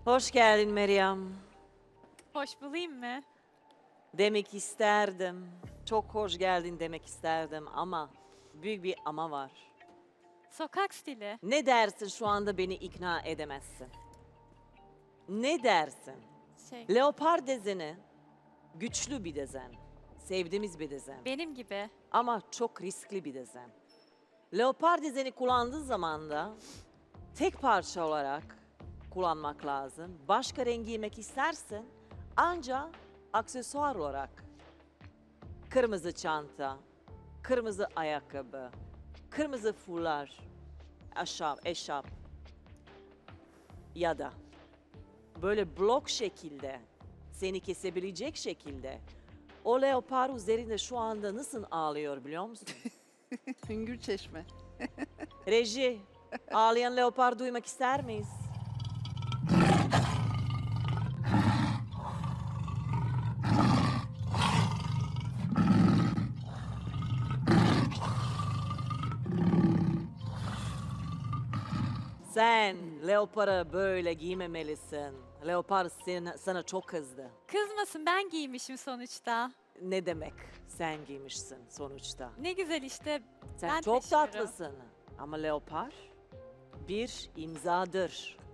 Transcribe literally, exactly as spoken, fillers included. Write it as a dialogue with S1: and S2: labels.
S1: Hoş geldin Meryem.
S2: Hoş bulayım mı?
S1: Demek isterdim. Çok hoş geldin demek isterdim ama büyük bir ama var.
S2: Sokak stili.
S1: Ne dersin şu anda beni ikna edemezsin? Ne dersin?
S2: Şey,
S1: Leopar dezeni güçlü bir dezen. Sevdiğimiz bir dezen.
S2: benim gibi.
S1: Ama çok riskli bir dezen. Leopar dizeni kullandığı zaman da tek parça olarak kullanmak lazım. Başka renk giymek istersen ancak aksesuar olarak kırmızı çanta, kırmızı ayakkabı, kırmızı fular, eşap, eşap ya da böyle blok şekilde seni kesebilecek şekilde o leopar üzerinde şu anda nasıl ağlıyor biliyor musun?
S3: Hüngür Çeşme.
S1: Reji, ağlayan leopar duymak ister miyiz? Sen leoparı böyle giymemelisin. Leopar sana, sana çok kızdı.
S2: Kızmasın, ben giymişim sonuçta.
S1: Ne demek sen giymişsin sonuçta?
S2: Ne güzel işte.
S1: Sen
S2: ben
S1: çok
S2: taşıyorum.
S1: tatlısın. Ama leopar bir imzadır.